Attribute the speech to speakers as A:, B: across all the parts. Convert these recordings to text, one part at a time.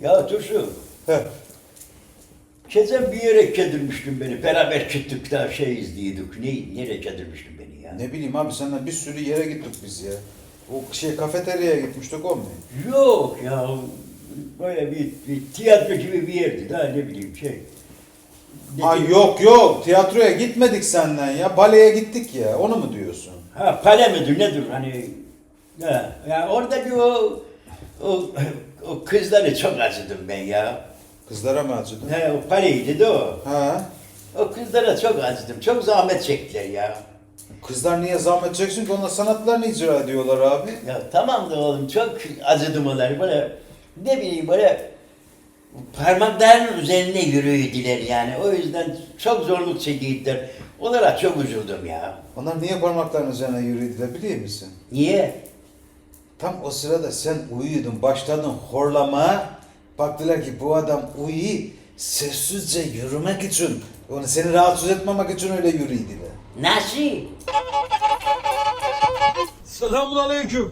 A: Ya Dursun,
B: Heh.
A: geçen bir yere kedirmiştin beni. Beraber çıktık da şey izliyorduk. Nereye kedirmiştin beni ya?
B: Ne bileyim abi senden bir sürü yere gittik biz ya. O kafeteryaya gitmiştik o mu?
A: Yok ya, böyle bir tiyatro gibi bir yerdi daha ne bileyim şey.
B: Ha yok tiyatroya gitmedik senden ya. Baleye gittik ya. Onu mu diyorsun?
A: Ha pale midir nedir hani? Ya orada bir o kızları çok acıdım ben ya.
B: Kızlara mı acıdın?
A: He o paleydi de o.
B: Ha?
A: O kızlara çok acıdım. Çok zahmet çektiler ya.
B: Kızlar niye zahmet çeksin ki onlar sanatlarını icra ediyorlar abi.
A: Ya tamam da oğlum çok acıdım onları böyle ne bileyim böyle parmaklarının üzerine yürüydüler yani. O yüzden çok zorluk çektiler. Onlara çok üzüldüm ya.
B: Onlar niye parmaklarının üzerine yürüdüler biliyor musun?
A: Niye?
B: Tam o sırada sen uyuyordun, başladın horlamaya. Baktılar ki bu adam uyuyor, sessizce yürümek için, onu seni rahatsız etmemek için öyle yürüydüler.
A: Nasıl?
C: Selamun aleyküm.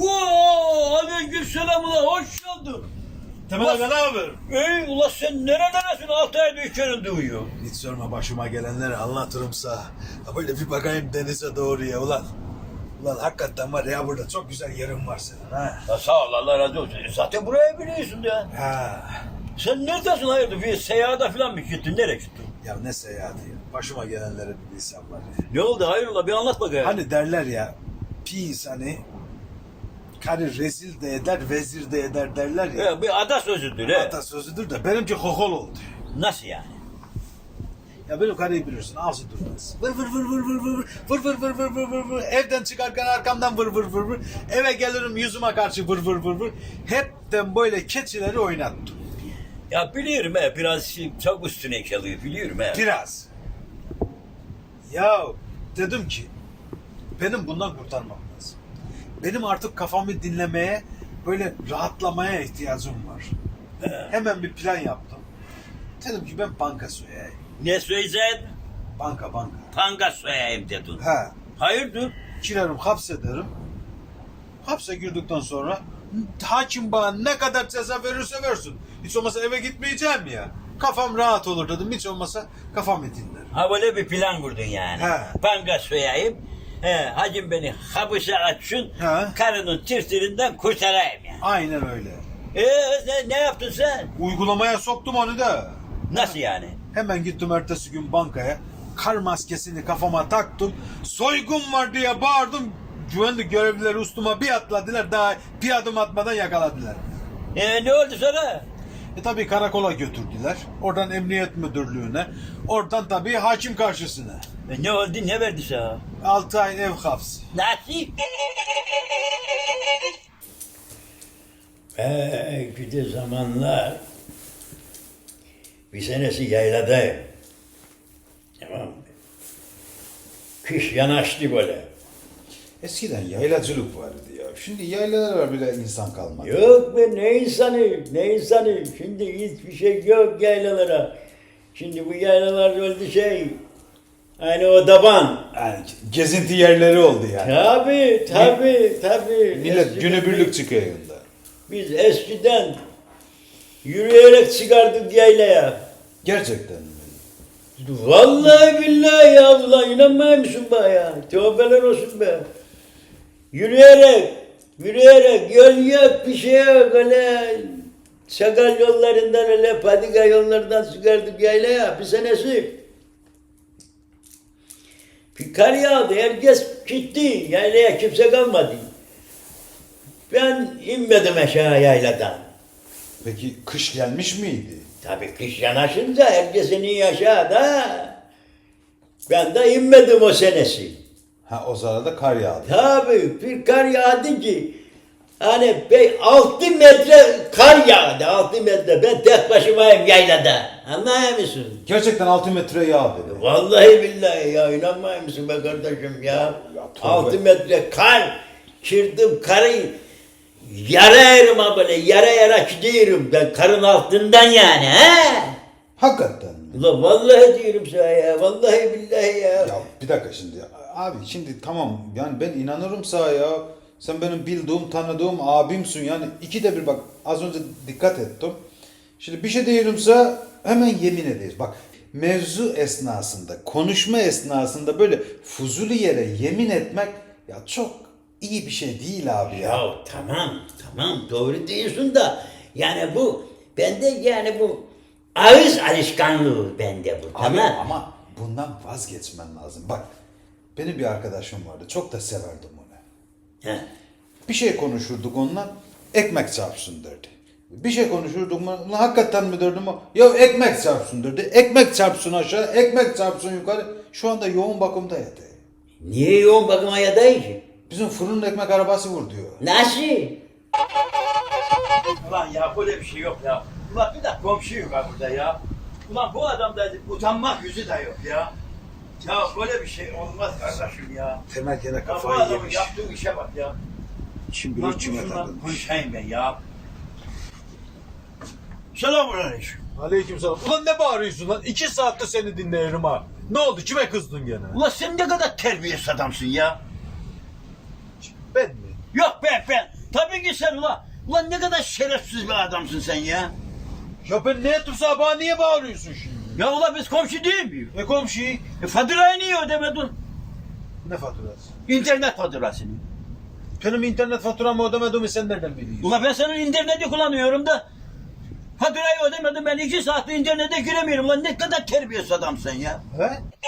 A: Aleykümselam ulan hoş geldin.
C: Temel Aga ne haber?
A: Ey ulan sen neredesin? 6 ayda içeride uyuyor.
C: Hiç sorma başıma gelenleri anlatırımsa. Böyle bir bakayım denize doğru ya ulan. Ulan hakikaten var ya burada çok güzel yerin var senin ha.
A: Ya sağ ol Allah razı olsun. Zaten buraya biliyorsun ya.
C: Ha.
A: Sen neredesin hayırdır? Bir seyahate falan mı gittin? Nereye gittin?
C: Ya ne seyahati ya. Başıma gelenleri bir bilsem var ya.
A: Ne oldu hayrola bir anlat bakayım.
C: Hani derler ya. Pis hani. Karı rezil de eder, vezir de eder derler ya.
A: Ya bir ada sözüdür he.
C: Atasözüdür de benimki kokol oldu.
A: Nasıl yani?
C: Ya benim karıyı bilirsin ağzı durmaz. Vır vır vır vır vır vır vır vır vır vır vır vır vır. Evden çıkarken arkamdan vır vır vır vır. Eve gelirim yüzüme karşı vır vır vır vır. Hepten böyle keçileri oynattım.
A: Ya biliyorum he biraz çok üstüne çalıyor biliyorum he.
C: Biraz. Ya dedim ki benim bundan kurtarmam lazım. Benim artık kafamı dinlemeye, böyle rahatlamaya ihtiyacım var. Hemen bir plan yaptım. Dedim ki ben banka soyayım.
A: Ne söyleyeceksin?
C: Banka.
A: Panga soyayım dedin.
C: Ha.
A: Hayırdır?
C: Girerim hapsederim. Hapse girdikten sonra hakim bana ne kadar ceza verirse versin. Hiç olmasa eve gitmeyeceğim ya. Kafam rahat olur dedim. Hiç olmasa kafamı dinlerim.
A: Ha böyle bir plan kurdun yani.
C: He.
A: Panga soyayım. Hacım beni hapise açsın.
C: He.
A: Karının tirtirinden kurtarayım yani.
C: Aynen öyle.
A: Ne yaptın sen?
C: Uygulamaya soktum onu da.
A: Nasıl yani?
C: Hemen gittim ertesi gün bankaya. Kar maskesini kafama taktım. Soygun var diye bağırdım. Güvenlik görevlileri üstüme bir atladılar. Daha bir adım atmadan yakaladılar.
A: Ne oldu sonra?
C: Tabii karakola götürdüler. Oradan emniyet müdürlüğüne. Oradan tabii hakim karşısına.
A: Ne oldu? Ne verdi sana?
C: 6 ay ev hapsi.
A: Nasıl? Gidi zamanlar bir senesi yayladayım. Tamam mı? Kış yanaştı böyle.
B: Eskiden yaylacılık vardı ya. Şimdi yaylalara bile insan kalmadı.
A: Yok be ne insanı. Şimdi hiçbir şey yok yaylalara. Şimdi bu yaylalar öldü şey. Hani o daban.
B: Yani gezinti yerleri oldu yani.
A: Tabii.
B: Millet
A: Eskiden
B: günübirlik çıkıyor yanında.
A: Biz eskiden yürüyerek çıkardık yaylaya.
B: Gerçekten mi?
A: Vallahi billahi ya ulan inanmıyor musun bana ya? Tövbeler olsun be. Yürüyerek yol yok bir şey yok öyle. Sakal yollarından öyle patika yollardan çıkardık yaylaya bir senesi. Bir kar yağdı herkes gitti yaylaya kimse kalmadı. Ben inmedim aşağı yayladan.
B: Peki kış gelmiş miydi?
A: Tabii kış yanaşınca herkesin iyi aşağıda. Ben de inmedim o senesi.
B: Ha o sırada kar yağdı.
A: Tabii bir kar yağdı ki hani 6 metre kar yağdı 6 metre ben tek başımayım yaylada anlıyor musun?
B: Gerçekten 6 metre yağdı.
A: Vallahi billahi ya inanmıyor musun be kardeşim ya
B: tövbe.
A: 6 metre kar çırdım karı yara böyle yara gidiyorum ben karın altından yani he?
B: Hakikaten mi?
A: Ulan vallahi diyorum sana ya vallahi billahi ya.
B: Ya bir dakika şimdi. Abi şimdi tamam yani ben inanırım sana ya. Sen benim bildiğim, tanıdığım abimsin yani ikide bir bak az önce dikkat ettim. Şimdi bir şey diyorumsa hemen yemin ederiz. Bak mevzu esnasında, konuşma esnasında böyle fuzuli yere yemin etmek ya çok iyi bir şey değil abi ya.
A: Ya tamam doğru diyorsun da yani bu bende yani bu ağız alışkanlığı bende bu
B: Abi
A: tamam.
B: ama bundan vazgeçmen lazım. Bak benim bir arkadaşım vardı. Çok da severdim onu.
A: He.
B: Bir şey konuşurduk onunla ekmek çarpsın derdi. Bir şey konuşurduk onunla hakikaten mi derdim o? Ya ekmek çarpsın derdi. Ekmek çarpsın aşağı, ekmek çarpsın yukarı. Şu anda yoğun bakımda yatıyor.
A: Niye yoğun bakıma yadayım ki?
B: Bizim fırın ekmek arabası vur diyor.
A: Nasıl? Ulan ya böyle bir şey yok ya. Ulan bir de komşu yok ha burada ya. Ulan bu adamda utanmak yüzü de yok ya. Ya böyle bir şey olmaz kardeşim ya.
C: Temel gene
A: Ya bu
C: kafayı
A: adamın
C: yemiş.
A: yaptığı işe bak ya.
C: Şimdi
A: Ulan
C: bir içime
A: şundan
C: takılmış.
A: konuşayım ben ya. Selamünaleyküm.
C: Aleykümselam. Ulan ne bağırıyorsun lan? 2 saattir seni dinliyorum ha. Ne oldu? Kime kızdın gene?
A: Ulan sen ne kadar terbiyesiz adamsın ya.
C: Ben mi?
A: Yok ben. Tabii ki sen ulan. Ulan ne kadar şerefsiz bir adamsın sen ya.
C: Ya ben ne ettim sana? Bana niye bağırıyorsun şimdi?
A: Ya ulan biz komşu değil miyiz?
C: Komşu?
A: Faturayı niye ödemedin?
C: Ne faturası?
A: İnternet faturasını.
C: Benim internet faturamı ödemediğimi sen nereden biliyorsun?
A: Ulan ben senin interneti kullanıyorum da faturayı ödemedim ben 2 saattir internete giremiyorum. Ulan ne kadar terbiyesiz adamsın ya.
C: He?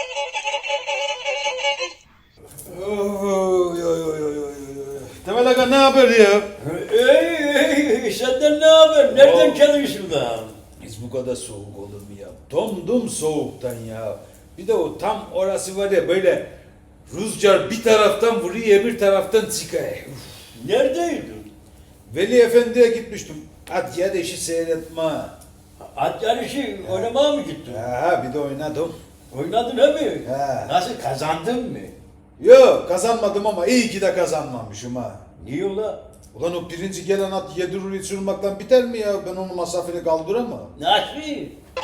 C: Oy oy oy oy oy.
B: Temel Aga ne haber ya?
A: Senden ne haber? Nereden
B: Oo.
A: çalıyorsun da?
B: Biz bu kadar soğuk olur mu ya? Dondum soğuktan ya. Bir de o tam orası var ya böyle rüzgar bir taraftan vuruyor bir taraftan çıkıyor. Uf.
A: Neredeydin?
B: Veli Efendi'ye gitmiştim. At yarışı seyretme.
A: At yarışı oynamaya mı gittin?
B: Ha bir de oynadım.
A: Oynadın he mi?
B: He.
A: Nasıl kazandın mı?
B: Yok kazanmadım ama iyi ki de kazanmamışım ha.
A: Niye ulan?
B: Ulan o birinci gelen at 7 rulo sürmekten biter mi ya? Ben onun masrafını kaldıramam.
A: Nasıl?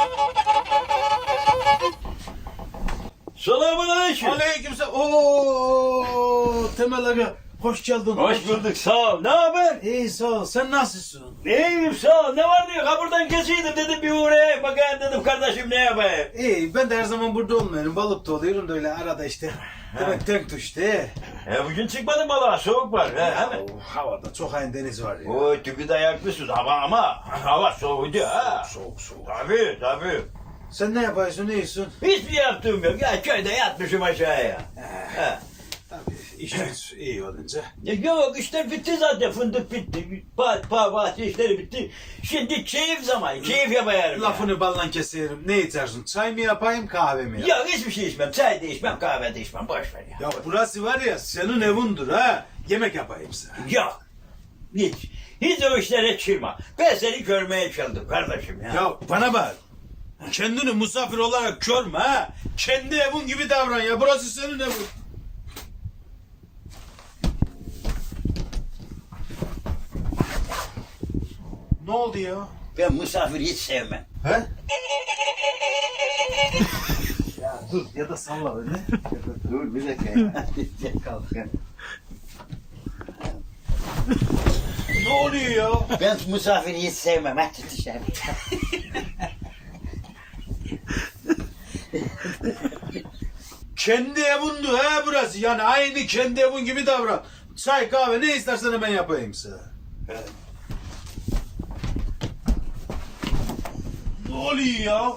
A: Selamünaleyküm.
C: Aleykümselam. Oo Temel Aga. Hoş geldin.
A: Hoş bulduk sağ ol. Ne haber?
C: İyi sağ ol. Sen nasılsın?
A: İyiyim sağ ol. Ne var diyor? Ha buradan geçiyordum dedim bir uğrayayım bakayım dedim kardeşim ne yapayım?
C: İyi ben de her zaman burada olmuyorum. Balıkta oluyorum da öyle arada işte. Demek denk düştü.
A: Bugün çıkmadım balığa soğuk var. He mi?
C: Havada çok aynı deniz var ya.
A: O tüpü dayaklısın ama hava soğudu ha.
C: Soğuk.
A: Tabii.
C: Sen ne yapıyorsun, ne yiyorsun?
A: Hiçbir yaptığım yok. Ya köyde yatmışım aşağıya. He.
C: Tabii iş güç iyi olunca.
A: Yok işler bitti zaten fındık bitti. Bahçe işleri bitti. Şimdi keyif zamanı. Keyif yapayım.
C: Lafını ballan keserim. Ne içersin? Çay mı yapayım, kahve mi yapayım?
A: Yok hiçbir şey içmem. Çay da içmem, kahve de içmem. Boş ver ya.
C: Ya burası var ya senin evindir ha. Yemek yapayım sana.
A: Yok. Hiç o işlere çırma. Ben seni görmeye çaldım kardeşim ya.
C: Ya bana bak. Kendini misafir olarak görme ha. Kendi evin gibi davran ya. Burası senin evin. Ne oldu ya?
A: Ben misafir hiç sevmem.
C: He? Ya dur ya da salla beni.
A: Dur bir dakika. Kalk.
C: Ne oluyor ya?
A: Ben misafir hiç sevmem. Hadi dışarı.
C: Kendi evindir ha burası. Yani aynı kendi evin gibi davran. Çay kahve ne istersen hemen yapayım sana. Ne oluyor ya?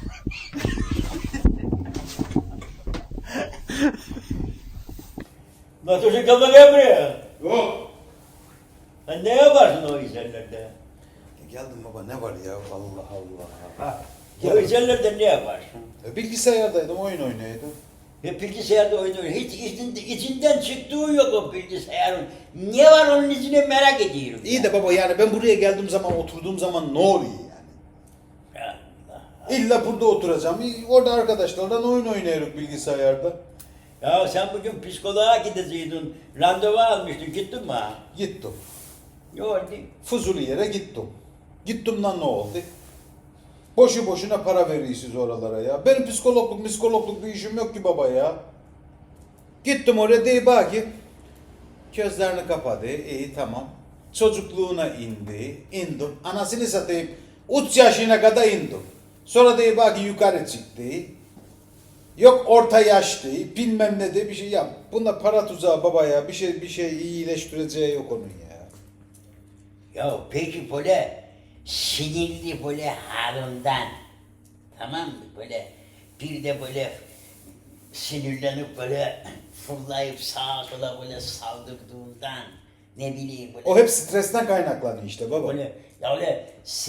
A: Nasıl kafa gel buraya?
B: Yok.
A: Ha, ne yaparsın o işlerlerde?
B: Geldim baba ne var ya Allah Allah. Ha.
A: O işlerlerde ne yaparsın?
B: Bilgisayardaydım oyun oynuyordum.
A: Bilgisayarda oynuyor. Hiç içinden çıktığı yok o bilgisayarın. Ne var onun içine merak ediyorum.
B: İyi de baba yani ben buraya geldiğim zaman oturduğum zaman ne oluyor yani? İlla burada oturacağım. Orada arkadaşlarla oyun oynuyoruz bilgisayarda.
A: Ya sen bugün psikoloğa gideceydin. Randevu almıştın. Gittin mi ha?
B: Gittim.
A: Ne oldu?
B: Fuzuli yere gittim. Gittim lan ne oldu? Boşu boşuna para veriyorsunuz oralara ya. Benim psikologluk bir işim yok ki baba ya. Gittim oraya deyip ki gözlerini kapadı. İyi tamam. Çocukluğuna indim. Anasını satayım. 3 yaşına kadar indim. Sonra da bak yukarı çıktı. Yok orta yaş değil, bilmem ne de bir şey yap. Bunda para tuzağı baba ya. Bir şey iyileştireceği yok onun ya.
A: Ya peki böyle sinirli böyle halinden, tamam mı? Böyle bir de böyle sinirlenip böyle fırlayıp sağa sola böyle saldırdığından, ne bileyim böyle.
B: O hep stresten kaynaklanıyor işte baba.
A: Böyle ya öyle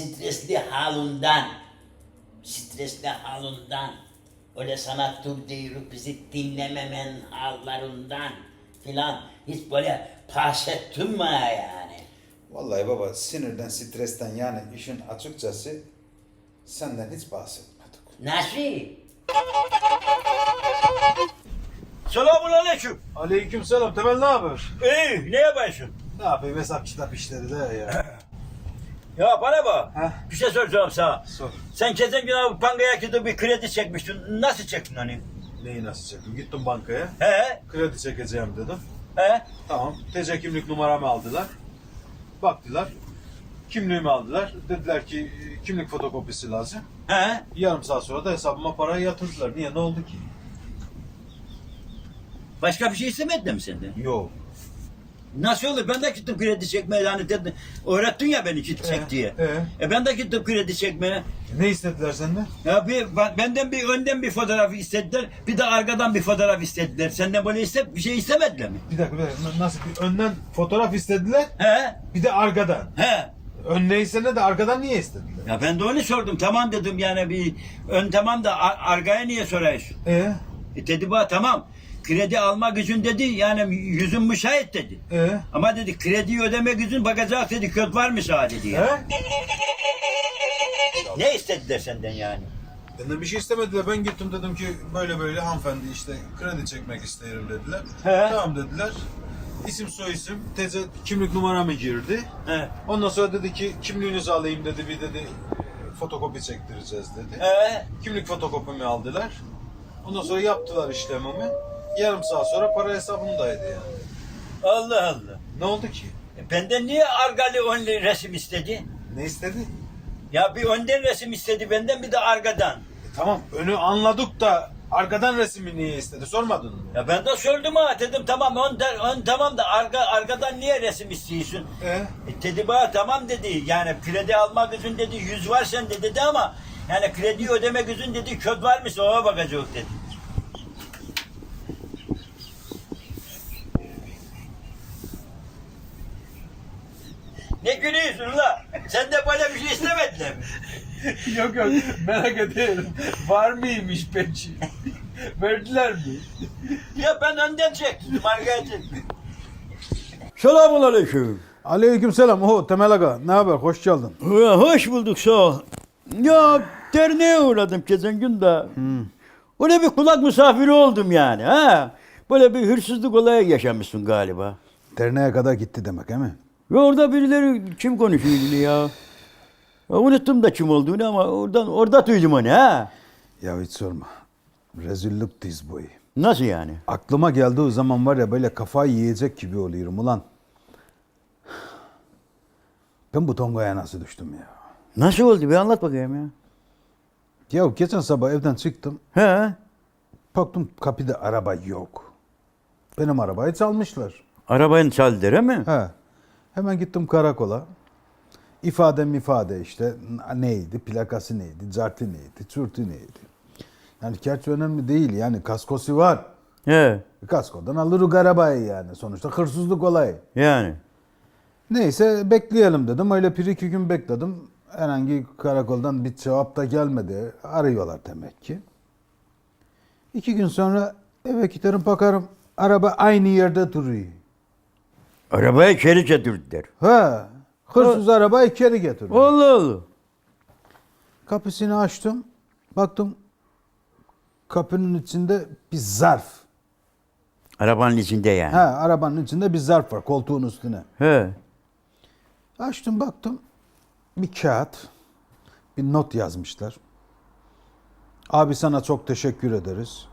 A: stresli halinden, öyle sana dur diyoruz bizi dinlememen hallerinden filan hiç böyle bahsettin mi yani?
B: Vallahi baba sinirden, stresten yani işin açıkçası senden hiç bahsetmedik.
A: Nasıl? Selamun aleyküm.
C: Aleykümselam. Temel ne haber?
A: İyi, ne yapıyorsun?
C: Ne yapayım, hesap kitap işleri de ya.
A: Ya bana bak,
C: Heh.
A: bir şey soracağım sana.
C: Sor.
A: Sen geçen gün abi bankaya gidip bir kredi çekmiştin. Nasıl çektin hani?
C: Neyi nasıl çektim? Gittim bankaya.
A: He?
C: Kredi çekeceğim dedim.
A: He?
C: Tamam. TC kimlik numaramı aldılar. Baktılar. Kimliğimi aldılar. Dediler ki kimlik fotokopisi lazım.
A: He?
C: Yarım saat sonra da hesabıma parayı yatırdılar. Niye? Ne oldu ki?
A: Başka bir şey istemediler mi senden?
C: Yok.
A: Nasıl olur? Ben de gittim kredi çekmeye yani dedin. Öğrettin ya beni çek diye. Ben de gittim kredi çekmeye.
C: Ne istediler senden?
A: Ya benden bir önden bir fotoğraf istediler. Bir de arkadan bir fotoğraf istediler. Senden böyle bir şey istemediler mi?
C: Bir dakika. Nasıl? Bir önden fotoğraf istediler.
A: He?
C: Bir de arkadan.
A: He?
C: Ön neyse ne de arkadan niye istediler?
A: Ya ben de onu sordum. Tamam dedim yani bir ön tamam da arkaya niye soruyorsun? Dedi bana tamam. Kredi alma gücün dedi yani yüzün müsait dedi. Ama dedi krediyi ödeme gücün bakacak dedi köt var mı sana dedi ya. Ne istediler senden yani?
C: Benden bir şey istemediler. Ben gittim dedim ki böyle böyle hanımefendi işte kredi çekmek isterim dediler.
A: He.
C: Tamam dediler. İsim soyisim, TC kimlik numaramı girdi.
A: He.
C: Ondan sonra dedi ki kimliğinizi alayım dedi, bir dedi fotokopi çektireceğiz dedi.
A: He.
C: Kimlik fotokopimi aldılar. Ondan sonra yaptılar işlemimi. Yarım saat sonra para hesabımdaydı yani.
A: Allah Allah.
C: Ne oldu ki?
A: Benden niye arkalı önlü resim istedi?
C: Ne istedi?
A: Ya bir önden resim istedi benden bir de arkadan.
C: Tamam önü anladık da arkadan resmi niye istedi sormadın mı?
A: Ya ben de sordum ha dedim tamam ön tamam da arkadan niye resim istiyorsun? Dedi bana tamam dedi yani kredi alma gücün dedi 100 var sende dedi ama yani kredi ödeme gücün dedi köt var mı ona bakacak dedi. Ne gülüyorsun la? Sen de böyle bir şey istemediler mi?
C: Yok merak ediyorum. Var mıymış peki? Verdiler mi?
A: Ya ben önden çektim arkaya çektim. Selamun aleyküm.
B: Aleykümselam. Oho Temel Aga ne haber? Hoş geldin.
A: Hoş bulduk sağ ol. Ya derneğe uğradım geçen gün de. Öyle bir kulak misafiri oldum yani. Ha? Böyle bir hırsızlık olayı yaşamışsın galiba.
B: Derneğe kadar gitti demek değil mi?
A: Ve orada birileri kim konuşuyordu ya? Ya unuttum da kim olduğunu ama orada duydum onu ha.
B: Ya hiç sorma. Rezillik diz boyu.
A: Nasıl yani?
B: Aklıma geldiği zaman var ya böyle kafayı yiyecek gibi oluyorum ulan. Ben bu tongaya nasıl düştüm ya?
A: Nasıl oldu bir anlat bakayım ya.
B: Ya geçen sabah evden çıktım.
A: He?
B: Baktım kapıda araba yok. Benim arabayı çalmışlar.
A: Arabanı çaldılar değil mi?
B: He. Hemen gittim karakola. İfade işte neydi, plakası neydi, cartı neydi, çürtü neydi. Yani gerçi önemli değil yani kaskosu var.
A: He.
B: Kaskodan alırız arabayı yani sonuçta hırsızlık olayı.
A: Yani.
B: Neyse bekleyelim dedim. Öyle bir iki gün bekledim. Herhangi karakoldan bir cevap da gelmedi. Arıyorlar demek ki. 2 gün sonra eve giderim bakarım. Araba aynı yerde duruyor.
A: Arabayı içeri getirdiler.
B: Ha, hırsız arabayı içeri getiriyor.
A: Allah Allah.
B: Kapısını açtım. Baktım kapının içinde bir zarf.
A: Arabanın içinde yani.
B: Ha, arabanın içinde bir zarf var koltuğun üstüne.
A: He.
B: Açtım baktım. Bir kağıt. Bir not yazmışlar. Abi sana çok teşekkür ederiz.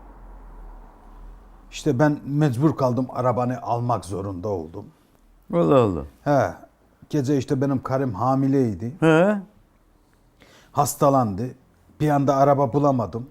B: İşte ben mecbur kaldım arabanı almak zorunda oldum.
A: Allah Allah.
B: He. Gece işte benim karım hamileydi.
A: He.
B: hastalandı. Bir anda araba bulamadım.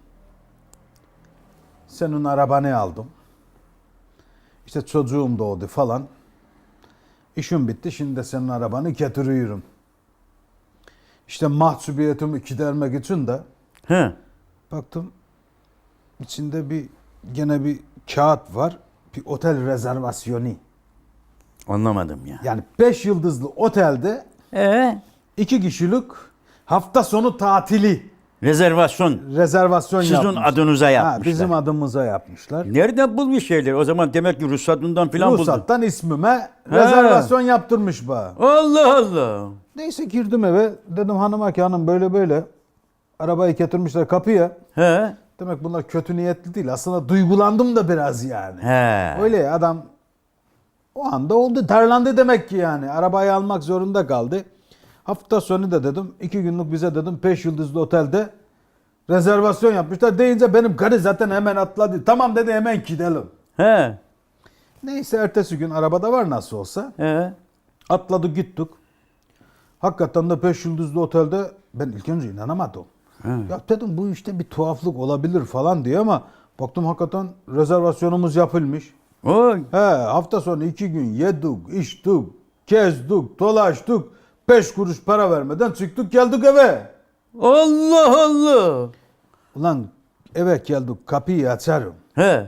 B: Senin arabanı aldım. İşte çocuğum doğdu falan. İşim bitti. Şimdi de senin arabanı getiriyorum. İşte mahcubiyetimi gidermek için de
A: He.
B: baktım içinde gene bir kağıt var. Bir otel rezervasyonu.
A: Anlamadım ya.
B: Yani 5 yıldızlı otelde 2 kişilik hafta sonu tatili
A: Rezervasyon
B: rezervasyon
A: sizin
B: yapmışlar.
A: adınıza
B: Ha,
A: yapmışlar.
B: bizim adımıza yapmışlar.
A: Nereden bulmuş şeyleri? O zaman demek ki ruhsatından filan buldu.
B: Ruhsattan ismime rezervasyon yaptırmış bana.
A: Allah Allah.
B: Neyse girdim eve. Dedim hanıma ki hanım böyle böyle. Arabayı getirmişler kapıya.
A: He.
B: Demek bunlar kötü niyetli değil. Aslında duygulandım da biraz yani.
A: He.
B: Öyle ya, adam o anda oldu. Darlandı demek ki yani. Arabayı almak zorunda kaldı. Hafta sonu da dedim 2 günlük bize dedim 5 yıldızlı otelde rezervasyon yapmışlar. Deyince benim karı zaten hemen atladı. Tamam dedi, hemen gidelim.
A: He.
B: Neyse ertesi gün arabada var nasıl olsa.
A: He.
B: Atladık gittik. Hakikaten de 5 yıldızlı otelde ben ilk önce inanamadım. Ya dedim bu işte bir tuhaflık olabilir falan diye ama baktım hakikaten rezervasyonumuz yapılmış.
A: Oy.
B: He, hafta sonu 2 gün yedik, içtik, gezdik, dolaştık. 5 kuruş para vermeden çıktık geldik eve.
A: Allah Allah.
B: Ulan eve geldik, kapıyı açarım.
A: He.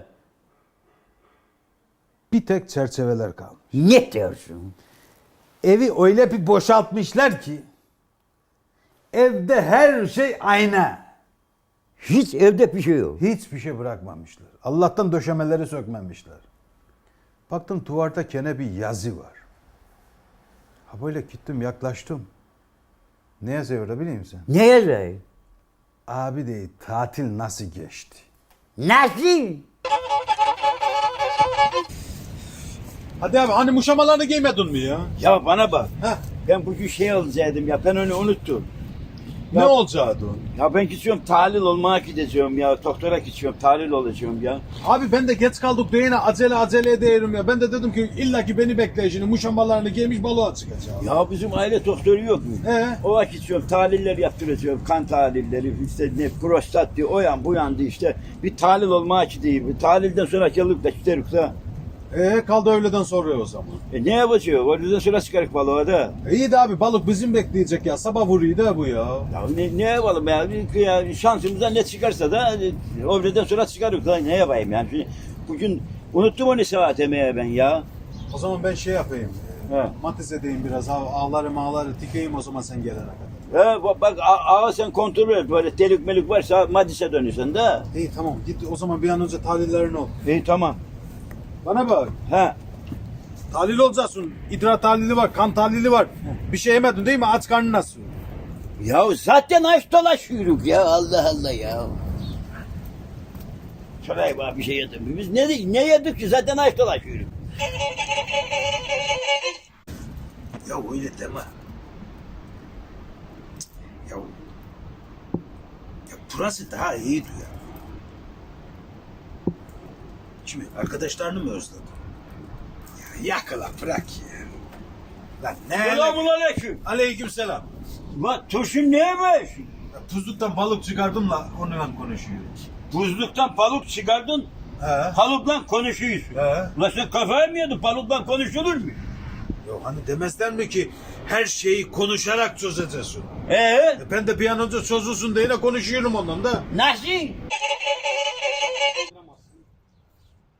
B: Bir tek çerçeveler kalmış.
A: Ne diyorsun?
B: Evi öyle bir boşaltmışlar ki evde her şey ayna.
A: Hiç evde bir şey yok.
B: Hiçbir şey bırakmamışlar. Allah'tan döşemeleri sökmemişler. Baktım duvarda gene bir yazı var. Ha böyle gittim yaklaştım. Ne yazıyor orada biliyor musun?
A: Ne yazıyor?
B: Abi değil, tatil nasıl geçti?
A: Nasıl?
C: Hadi abi hani muşamalarını giymedin mi ya?
A: Ya bana bak.
C: Heh.
A: Ben bugün şey alacaktım ya. Ben onu unuttum.
C: Ne
A: Ya-
C: olacaktı?
A: Ya ben gidiyorum tahlil olmaya gideceğim ya. Doktora gideceğim tahlil olacağım ya.
C: Abi ben de geç kaldık diye yine acele ederim ya. Ben de dedim ki illaki beni bekle şimdi muşamalarını giymiş balığa çıkacağım.
A: Ya bizim aile doktoru yok mu? O vakit gidiyorum tahliller yaptıracağım. Kan tahlilleri işte ne prostat diye o yan bu yandı işte. Bir tahlil olmaya gideyim. Tahlilden sonra gelip de gideriz ha.
C: Kaldı öğleden sonra o zaman.
A: Ne yapacağız? Oradan sonra çıkarık balığa da.
C: İyi de abi balık bizim bekleyecek ya. Sabah vuruyor da bu ya.
A: Ya ne yapalım ya? Ya şansımıza ne çıkarsa da oradan sonra çıkarık. Ne yapayım yani? Şimdi bugün unuttum onu saat emeye ben ya.
C: O zaman ben şey yapayım.
A: He.
C: Matiz edeyim biraz. Ağları tikeyim o zaman sen gelene kadar.
A: Bak ağa sen kontrol et. Böyle delik melik varsa madise dönüyorsun da.
C: İyi tamam git o zaman bir an önce tahlillerini ol.
A: İyi tamam.
C: Bana bak.
A: He.
C: Tahlil olacaksın. İdrar tahlili var, kan tahlili var. Bir şey yemedin değil mi? Aç karnın nasıl?
A: Ya zaten aç dolaşıyoruz ya Allah Allah ya. Şuraya bak bir şey yedik. Biz ne yedik ki zaten aç dolaşıyoruz.
C: Ya öyle deme. Ya, ya burası daha iyiydi ya. Şimdi arkadaşlarını mı özledin? Ya yakala bırak ya. Lan ne?
A: Selamünaleyküm.
C: Aleykümselam.
A: Lan turşun neymiş?
C: Ya tuzluktan balık çıkardım da onunla konuşuyoruz.
A: Buzluktan balık çıkardın,
C: He.
A: balıkla konuşuyorsun.
C: He.
A: Ulan sen kafayı mı yedin? Balıkla konuşulur mu?
C: Yok hani demezler mi ki her şeyi konuşarak çözeceksin.
A: Ee?
C: Ben de bir an önce çözülsün diye konuşuyorum ondan da.
A: Nasıl?